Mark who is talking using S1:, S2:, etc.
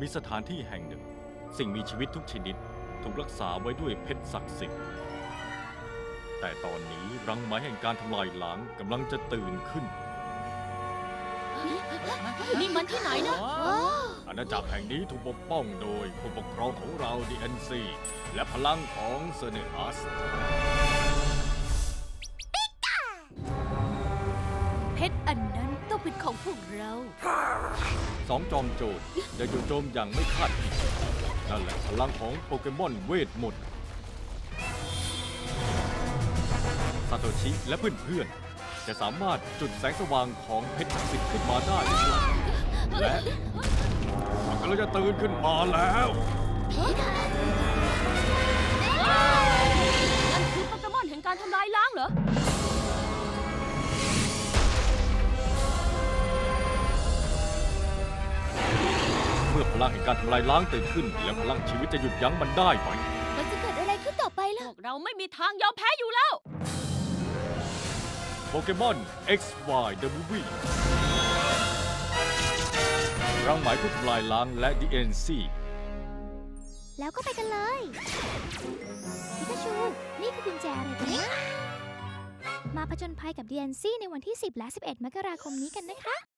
S1: มีสถานที่แห่งหนึ่งสิ่งมีชีวิตทุกชนิดถูกรักษาไว้ด้วยเพชรศักดิ์สิทธิ์แต่ตอนนี้รังไหมแห่งการทำลายล้างกำลังจะตื่นขึ้น
S2: นี่มันที่ไหนนะ
S1: อาณาจักรแห่งนี้ถูกปกป้องโดยผู้ปกครองของเรา DNC และพลังของเซเนอัส
S2: เพชรอันนั้นต้องเป็นของพวกเรา
S1: สองจอมโจรได้จู่โจมอย่างไม่คาดคิดนั่นแหละพลังของโปเกมอนเวทมนต์ซาโตชิและเพื่อนๆจะสามารถจุดแสงสว่างของเพชรศักดิ์สิทธิ์ขึ้นมาได้หรือเปล่าและมันกำลังจะตื่นขึ้นมาแล้ว
S2: นั่นคือโปเกมอนแห่งการทำลายล้างเหรอ
S1: เมื่อพลังแห่งการทำลายล้างตื่นขึ้น แล้วพลังชีวิตจะหยุดยั้งมันได้ไหม
S2: มันจะเกิดอะไรขึ้นต่อไปล่ะ พวกเราไม่มีทางยอมแพ้อยู่แล้ว
S1: โปเกมอน XY The Movie รังไหมผู้ทำลายล้างและ DNC
S3: แล้วก็ไปกันเลยพิกาชู นี่คือกุญแจอะไรกันนะมาผจญภัยกับ DNC ในวันที่ 10 และ 11 มกราคมนี้กันนะคะ